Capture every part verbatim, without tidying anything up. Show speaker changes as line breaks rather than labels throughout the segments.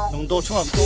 영도 청학동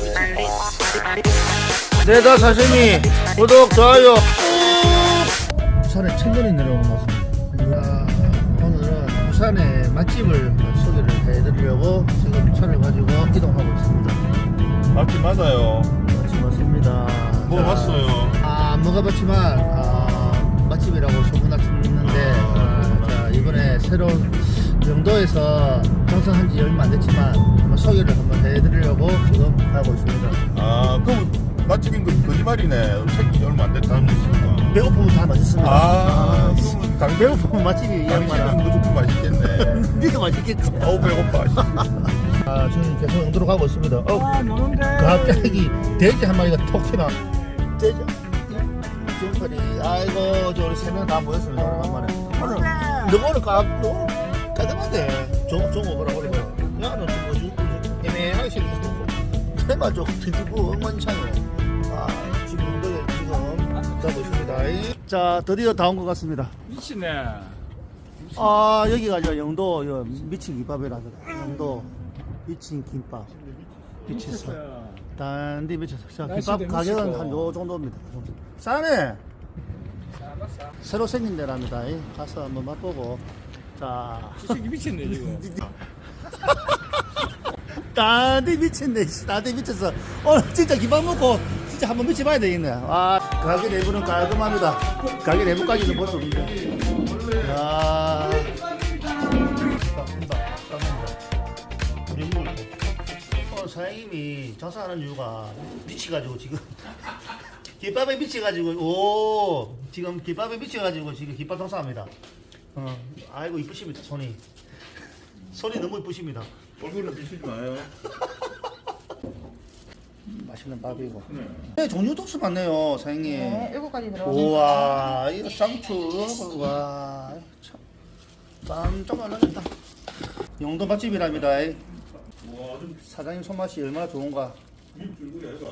내다 사시미 구독 좋아요. 부산에 천년이 내려오는 곳입니다. 오늘은 부산의 맛집을 소개를 해드리려고 지금 차를 가지고 이동하고 있습니다.
맛집 맞아요.
맛집 맞습니다.
먹어봤어요.
아, 안 먹어봤지만 아, 맛집이라고 소문났는데 아, 자, 이번에 새로운 영도에서 장성한 지 얼마 안 됐지만 한번 소개를 한번 해드리려고 지금 가고 있습니다.
아, 그럼 맛집인 거 거짓말이네. 생긴 지 얼마 안 됐다는 뜻이구나.
배고프면 다 맛있습니다.
아,
씨.
그러면 당
배고프면 맛집이 이
당신은
양반아.
무조건 맛있겠네.
니가 맛있겠지.
어우, 배고파.
아, 지금 계속 영도로 가고 있습니다. 어,
아, 너는데.
갑자기 돼지 한 마리가 톡 튀나. 돼지. 중팔이. 아이고, 저 우리 세 명 다 모였습니다. 오랜만에. 오늘 너 오늘 까, 너 깔끔한데. 종, 종 오거라 그래. 야, 너 좀 뭐지? 애매하게 생겼어. 테마 좀 뒤집고 엉망이창이네. 아, 지금 영도에 지금 가고 있습니다. 자, 드디어 다 온 것 같습니다.
미치네.
아, 여기가 저 영도 여 미친 김밥이라서 영도 미친 김밥 미쳤어. 단디 미쳤어. 자, 김밥
날씨도
가격은
미치고.
한 요 정도입니다. 싸네. 새로 생긴 데랍니다. 이, 가서 한번 맛보고. 자,
이 새끼 미쳤네 지금.
단디 미쳤네. 단디 미쳤어. 오늘 진짜 김밥 먹고 진짜 한번 미쳐봐야 되겠네. 아, 가게 내부는 깔끔합니다. 가게 내부까지는 볼 수 없는데. 야. 어, 사장님이 장사하는 이유가 미치가지고 지금 김밥에 미치가지고 오 지금 김밥에 미치가지고 지금 김밥 장사합니다. 어, 아이고 이쁘십니다. 손이 손이 너무 이쁘십니다.
얼굴은 비치지 마요.
맛있는 밥이고.
네.
네, 종류도 수 많네요, 사장님.
네, 일곱 가지 들어갑니다.
우와, 이거 쌍추, 와, 참, 깜짝 놀라겠다. 영도 맛집이랍니다.
와, 좀
사장님 손맛이 얼마나 좋은가.
밀줄구리 아이가.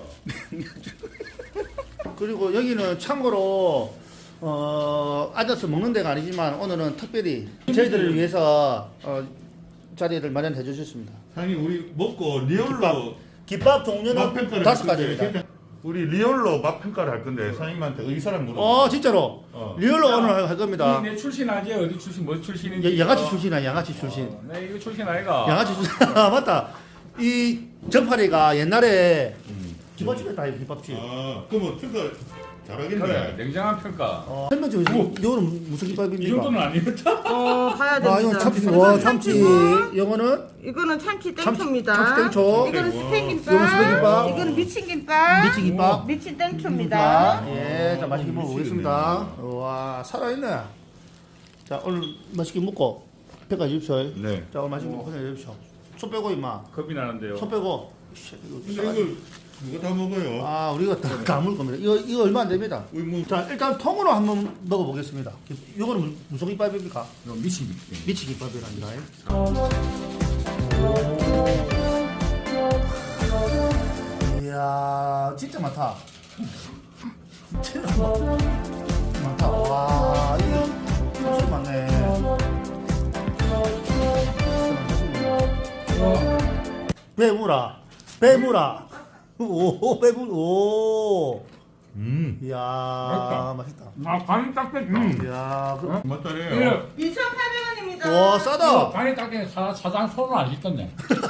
그리고 여기는 참고로 어, 앉아서 먹는 데가 아니지만 오늘은 특별히 저희들을 위해서 어, 자리를 마련해 주셨습니다.
사장님, 우리 먹고 리얼로
김밥
맛
종류는
평가를
다섯
할 건데,
가지입니다.
우리 리얼로 맛 평가를 할 건데 사장님한테 의사랑 물어.
어, 진짜로
어.
리얼로 오늘 할- 할 겁니다.
내 출신 아지 어디 출신 뭐 출신인지.
야, 양아치 출신이야, 양아치 출신.
어, 내 이거 출신 아이가.
양아치 출신. 아, 맞다. 이 전파리가 옛날에
음.
김밥집이었다, 이 김밥집.
아, 그럼 평가 잘하겠네.
그래 냉정한 평가.
어, 설명 좀 해주세요. 이거는 무슨
이
김밥입니까?
정도는 아니었다.
어, 봐야 됩니다.
아, 이건 참치,
이거는
와, 참치.
참치고,
이거는
이거는 참치
참치-
땡초입니다.
참치 땡초.
이거는
와.
스팸김밥.
이거는 스팸김밥.
이거는 미친김밥.
미치 김밥.
미친 땡초입니다.
예, 자, 맛있게 먹어보겠습니다. 와, 살아있네. 자, 오늘 맛있게 먹고 평가해 주십시오.
네.
자, 오늘 맛있게 먹고 평가해 주십시오. 손 빼고, 임마.
겁이 나는데요.
손 빼고. 씨, 이거
근데
싸가지.
이거 이거 다 먹어요.
아, 우리가 다 까물 겁니다. 이거, 이거 얼마 안 됩니다.
우리 뭐
자, 일단 통으로 한번 먹어보겠습니다. 이거는 무- 무슨 김밥입니까?
이거 미친.
미치 김밥이랍니다. 이야, 진짜 많다. 진짜 많- 많다. 와, 이거 엄청 많네. 배무라, 배무라. 오, 배무, 오.
음.
이야, 맛있다.
아 간이 딱 됐다.
이야, 그,
맞다래요.
이천팔백 원입니다.
와, 싸다.
간이 딱 됐네. 사 사장 손을 안 씻던데.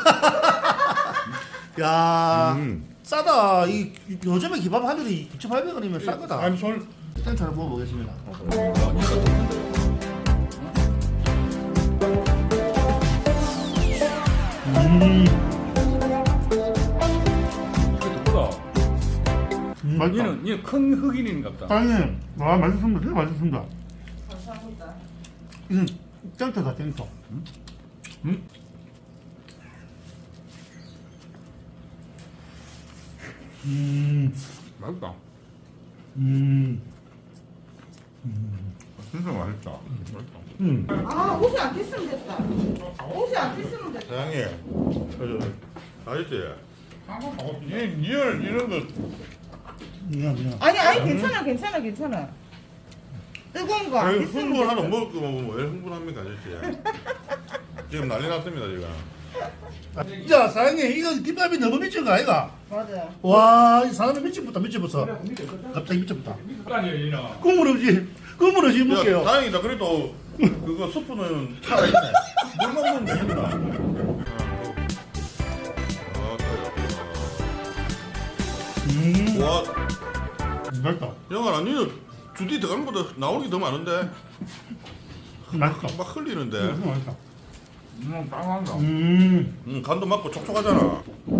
야,
음.
싸다. 이 요즘에 김밥 한 줄이 이천팔백 원이면 싼 거다.
아니 손
일단 잘 먹어보겠습니다. 음,
그거.
음,
니는 니는 큰 흑인인가 보다.
사장님, 와, 맛있습니다. 되게 맛있습니다.
감사합니다.
음, 짱터다, 짱터.
음?
음,
맛있다.
음,
진짜 맛있다. 맛있다.
음.
아, 옷이 안 tis으면 됐다. 옷이 안 tis으면 됐다.
사장님, 저 아저씨,
한국 먹었지.
이 리얼 이런 거
미안, 미안.
아니, 아니, 괜찮아, 괜찮아, 괜찮아. 뜨거운 거 안
아니,
tis으면
흥분 하나
됐어.
먹을 거면 왜 흥분합니까 아저씨? 지금 난리 났습니다 지금.
자, 사장님, 이거 김밥이 너무 미친 거 아이가?
맞아.
와, 이 사람이 미친부터 미친부터. 갑자기 미친부터.
아니 이나.
국물 없이, 국물 없이
야,
먹게요.
다행이다. 그래도 그거 스프는 살아있네. 물 먹으면 되겠다.
음,
와,
맛있다.
영아, 니는 주디 들어가는 것보다 나오는 게 더 많은데?
맛있다.
막 흘리는데.
음, 맛있다.
음, 빵한다.
음,
음, 간도 맞고 촉촉하잖아.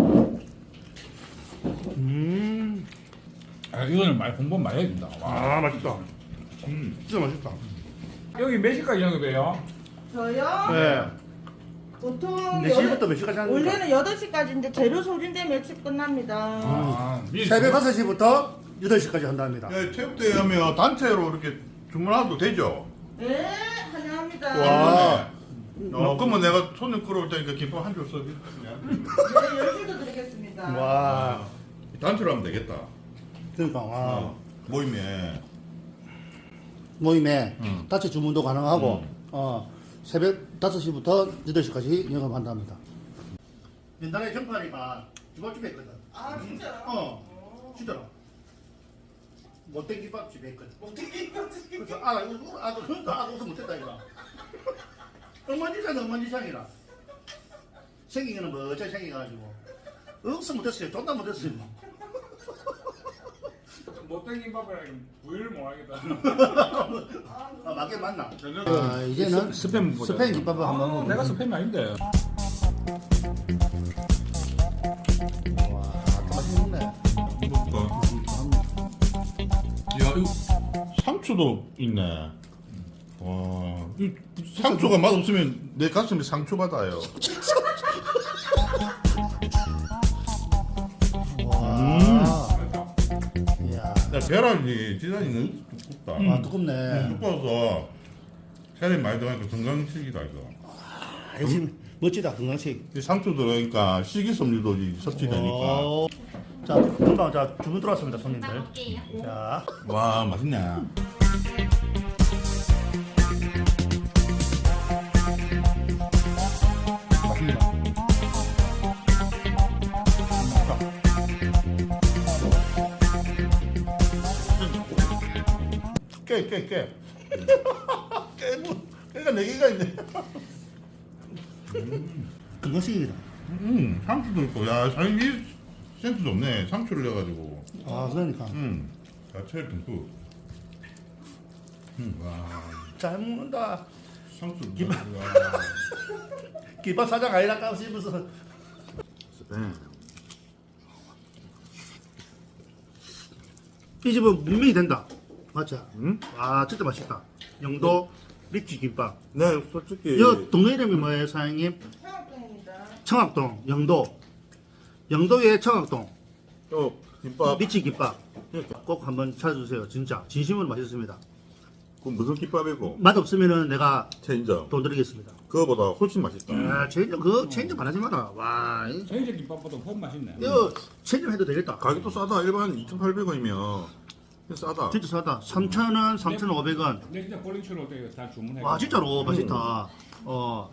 음,
아, 이거는 많이 공부 많이 해야 된다. 와.
아, 맛있다.
음.
진짜 맛있다.
여기 몇 시까지 영업해요?
저요?
네.
보통
몇 시부터 몇 시까지 하는 겁니까?
원래는 여덟 시까지인데 재료 소진되면 일찍 끝납니다.
아, 미리
새벽 다섯 시부터 여덟 시까지 한답니다.
야, 체육대회 하면 단체로 이렇게 주문해도 되죠?
네, 환영합니다.
와. 어, 그러면 내가 손님 끌어올 테니까 김밥 한 줄 써줄게.
네, 열줄도 드리겠습니다.
와,
단체로 하면 되겠다.
그러니까, 와.
어, 모임에.
모임에
음.
단체 주문도 가능하고, 어, 새벽 다섯 시부터 여덟 시까지 영업한답니다. 옛날에 경파리가 주방집에 했거든.
아, 진짜요?
어, 진짜로. 못된 김밥집에 했거든. 못된 김밥집. 그래서 아, 이거, 아, 그러니까 아, 웃어 못했다 이거. 엉망진창이 엉망진창이라. 생긴 거는 멋져 생겨가지고. 억서 못했어요. 존나 못했어요.
못된 김밥이랑 부위를 못 하겠다.
아, 맞게 맞나? 아, 이제는
스팸 보자.
스팸 김밥을 한번
아,
먹어.
내가 스팸이 아닌데.
와, 맛있네.
먹을까? 야, 이거 상추도 있네. 와, 이 상추가 맛없으면 내 가슴이 상처 받아요.
와, 이야,
야, 계란이 지단이 너무 두껍다.
아, 두껍네.
두꺼워서 살이 많이 들어가니까 건강식이다 이거.
아, 역시 멋지다 건강식.
이 상추 들어가니까 식이섬유도 섭취되니까.
오. 자, 금방 자 주문 들어왔습니다 손님들. 자,
와, 맛있네.
맛있습니다.
깨, 깨, 깨. 깨, 깨가 네 개가 있네.
건강식이다.
음, 상추도 있고, 야, 사장님 이 센스 좋네. 상추를 넣어가지고.
아, 그러니까
음, 야채 듬뿍. 음, 와,
잘 먹는다.
상추.
김-
와.
김밥 사장 아니랄까 싶어서.
네.
이 집은 분명히 된다. 맞죠?
음?
아, 진짜 맛있다. 영도 리치 김밥.
네, 솔직히.
이 동네 이름이 뭐예요, 사장님?
청학동입니다.
청학동, 영도. 영도의 청학동.
또 김밥.
리치 김밥. 꼭 한번 찾아주세요. 진짜. 진심으로 맛있습니다.
그 무슨 김밥이고?
맛 없으면은 내가
체인점.
돈 드리겠습니다.
그거보다 훨씬 맛있다.
아, 체인점, 그거 체인점 안 하지 마라. 와, 이-
생제 김밥보다 훨씬 맛있네.
이거 체인점 해도 되겠다.
가격도 싸다. 일반 이천팔백 원이면 싸다.
진짜 싸다. 삼천 원, 삼천오백 원.
근데 진짜 볼링처럼 어떻게 다 주문해.
와, 진짜로 맛있다. 어.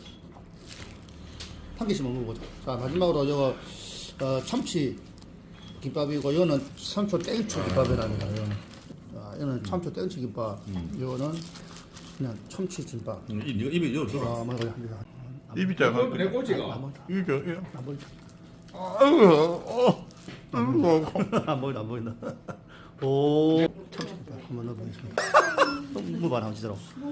한 개씩 먹는 거죠. 자, 마지막으로 이거 어, 참치 김밥이고, 이거는 참초 땡초 김밥이랍니다. 이거는. 자, 이거는 참초 땡초 김밥. 이거는 그냥 참치 김밥.
음, 이- 이거 입에 넣어
아, 뭐 이거 합니다.
입이 작아.
내 꼬지가.
입이 작아.
안 보인다.
아이고, 어. 아이고.
안 보인다, 안 보인다. 오, 참치 김밥 한번 넣어보겠습니다. 너무 많아, 진짜로.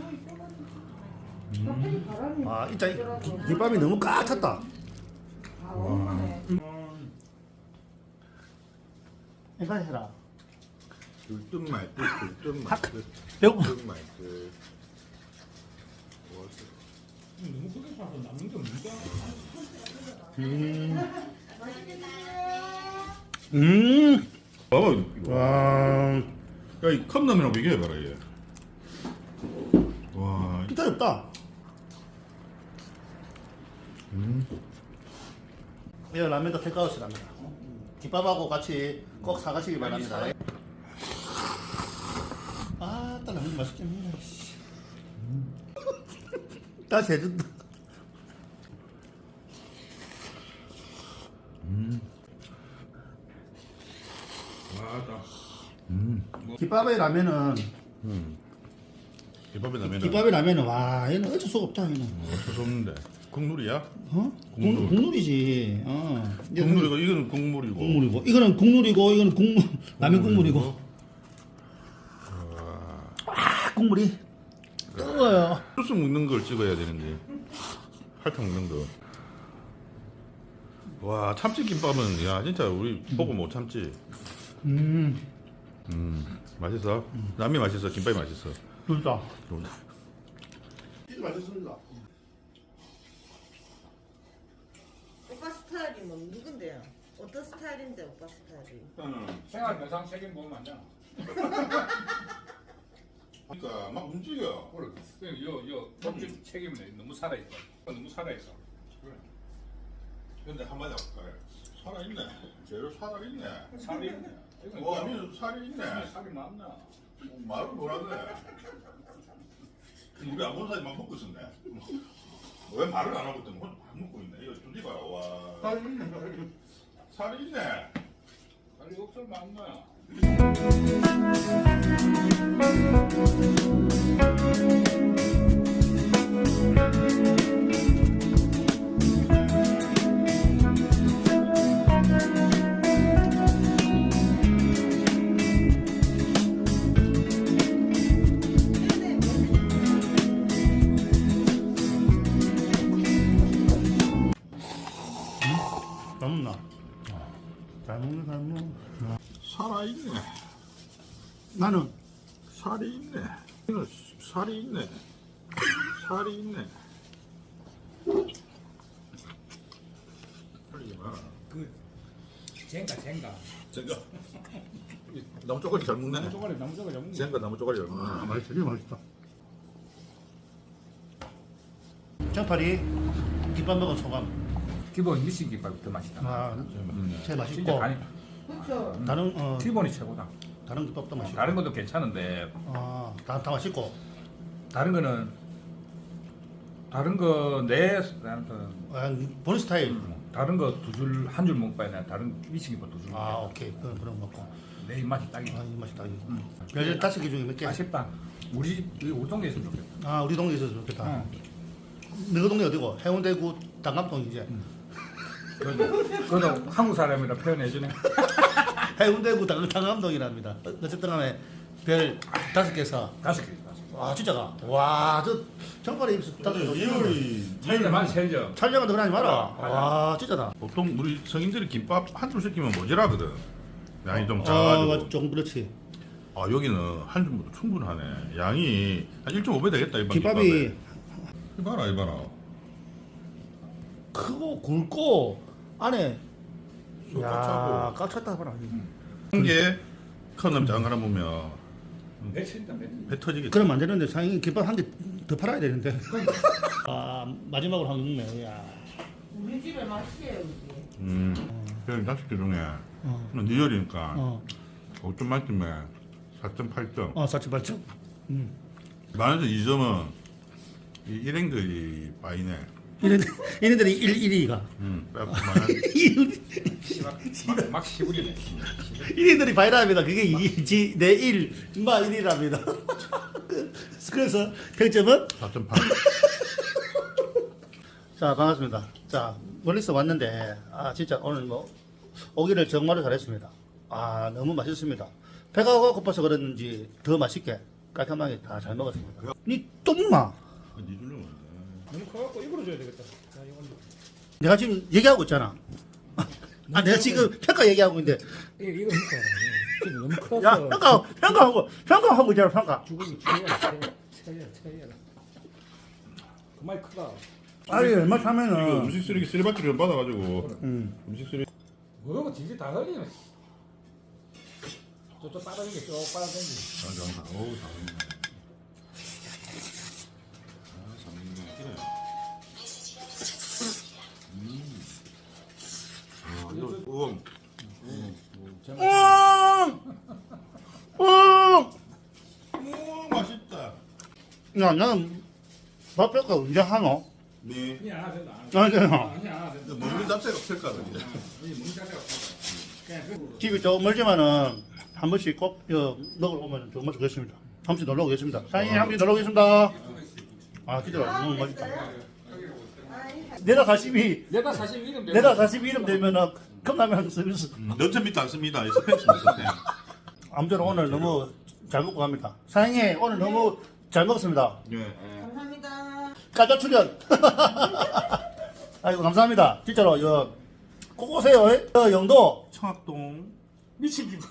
갑자기 바람이
아, 진짜 이 기- 김밥이 너무 꽉 찼다.
아, 오네.
이거 해라.
들뜬 말듯, 들뜬 말듯,
배고.
들뜬 말듯.
너무 크게 사서 남는 게 없는데.
음.
봐봐, 이거.
와,
야, 이 컵라면하고 비교해봐라, 얘. 와,
진짜 없다.
음.
이 라면도 테이크아웃이랍니다. 김밥하고 같이 꼭 사가시기 바랍니다. 아, 딱 라면 맛있게 먹네. 다시 해준다.
아따.
음.
김밥에 라면은
음. 김밥에 라면.
김밥에 라면은 와 얘는 어쩔 수가 없다 얘는.
어쩔 수 없는데. 국물이야?
어?
국물.
국, 국물이지. 어.
국물이고 이거는 국물이고.
국물이고 이거는 국물이고 이거는 국물 라면 국물이고. 아 국물이 뜨거워요.
소스 먹는 걸 찍어야 되는데. 할탕 먹는 거. 와 참치김밥은 야 진짜 우리 보고 못 참지.
음
음 맛있어. 라면 맛있어. 김밥이 맛있어.
둘다.
진짜 맛있습니다.
오빠 스타일이 뭐 누군데요? 어떤 스타일인데 오빠 스타일이?
생활 면상 책임 보면 안 되나?
그러니까 막 움직여.
그래. 요, 요, 법적 책임은 너무 살아있어. 너무 살아있어.
근데 한마디 할까요? 살아있네. 재료 살아있네.
살이 있네. 이건
와,
좀-
민수 살이 있네.
살이 많나?
말을 뭐라 그래? 우리 안 본 사이만 먹고 있었네. 왜 말을 안 하고 있더니 혼자 밥 먹고 있네. 이거 둘이 봐라. 와. 살이 있네. 살이 있네.
살이 없을 많나?
잘 먹나? 잘 먹네 잘 먹네.
살아있네.
나는
살이 있네. 이거 살이 있네. 살이 있네. 살이 많아.
그, 젠가, 젠가.
제가 나무 쪼가리 잘 먹네.
나무 쪼가리, 나무 쪼가리 잡는 거.
제가 나무 쪼가리 잘 먹네.
아, 맛있어 되게 맛있다. 장파리 김밥 먹은 소감.
기본 미신 김밥이 더 맛있다.
아 제일
진짜
맛있고
간이,
그렇죠.
다른 어
기본이 최고다.
다른 김밥도 맛있고.
다른 것도 괜찮은데,
아다 다 맛있고.
다른 거는, 다른 거, 내, 나는 그,
아, 본인 스타일.
다른 거 두 줄, 한 줄 먹고 나 다른 미신 김밥 두 줄.
아 오케이 그럼 그럼 먹고.
내 입맛이 딱이다.
아이 맛있다 이거. 별 다섯 개 중에 몇 개?
아쉽다. 우리 집, 우리 우리 동네에 있으면 좋겠다.
아 우리 동네에 있어서 좋겠다.
응.
너희 동네 어디고? 해운대구 당감동이지.
그래도, 그래도 한국 사람이라 표현해주네.
해운대구 당, 당감동이랍니다. 어, 어쨌든 간에 별 다섯 개서.
다섯 개, 다섯 개.
와 진짜가. 와저 정발에 입술 다섯 개.
리얼이
차이가 많이 차이죠.
촬영은 그러지 마라.
아, 맞아.
와 진짜다.
보통 우리 성인들이 김밥 한 줄 시키면 모자라거든. 양이 좀
아
작아가지고.
조금 그렇지.
아 여기는 한 줄도 충분하네. 양이 한 일 점 오 배 되겠다 이번
김밥이
김밥에. 이봐라 이봐라.
크고 굵고 안에
쏙
야
꽉 차고.
꽉 찼다 봐라.
한개 큰 놈 작은 거나 보면
배 친다, 배.
배 터지겠지.
그럼 안 되는데 사장님 김밥 한 개 더 팔아야 되는데. 아 마지막으로 한 개 먹네. 야.
우리 집에 맛이에요 여기.
음. 그냥 다섯 개 중에
어.
리얼이니까
어.
오 점 만점에 사 점 팔 점.
어 사치 팔 점. 음.
만에서 이 점은 이 일행들이 빠이네.
이런 이런들이 일 일이가.
음. 빼고 만.
막, 막 시부리네.
이들이 바이랍니다. 그게 이지 내일 인마 일이랍니다. 그래서 평점은
사 점 팔.
자 반갑습니다. 자 멀리서 왔는데 아 진짜 오늘 뭐 오기를 정말로 잘했습니다. 아 너무 맛있습니다. 배가 고파서 그랬는지 더 맛있게 깔끔하게 다 잘 먹었습니다. 니 똥마
니 줄려면
너무 커갖고 입으로 줘야 되겠다. 자, 이건
내가 지금 얘기하고 있잖아. 아 내가 지금 평가 얘기하고 있는데
이거 이거 먹어야 지금 너무 커서.
야 평가 평가하고 평가하고 있잖아 평가.
주걱이 쳐야, 쳐야, 쳐야, 쳐야. 그만 크다.
아니 얼마
이거
사면은
음식 쓰레기 쓰레받기를 받아가지고
음.
음식 쓰레기.
뭐고 진짜 다 흘리네. 저쪽 빠르게 쭉 빨아당기.
아, 장 어우 장인네. 아 장인네. 그래. 음. 아 이거 우엉.
음.
우엉 맛있다.
야 나는 밥뼈가 언제 하노?
네.
아니 안 된다.
아니, 아니.
아니 안 된다.
먹는 잡채가 없을까 그래.
이 문자가 없어.
집이 좀 멀지만은 한 번씩 꼭 어, 먹으러 오면 정말 좋겠습니다. 한 번씩 놀러 오겠습니다. 사장님 한 번씩 놀러 오겠습니다. 아 기대가 너무 맛있다. 내다 사십이
내가 사실 이름
내다 사십이 이름 되면은 컵라면 서비스.
면접 밑도 안 씁니다. 이 스팸 스팸.
아무쪼록 오늘 너무 잘 먹고 갑니다. 사장님 오늘 너무 잘 먹었습니다.
예.
감사합니다.
까자 출연. 아이고 감사합니다. 진짜로 여, 꼭 오세요. 예? 여, 영도
청학동.
미친 기분.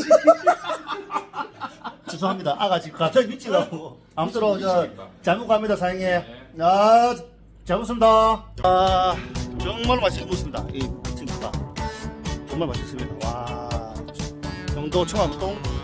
죄송합니다. 아가 지금 갑자기 미치가고 아무쪼록 저, 잘 먹고 갑니다. 사장님. 아, 잘 먹습니다. 아, 정말 맛있게 먹습니다. 이 친구가 정말 맛있습니다. 와, 영도 청학동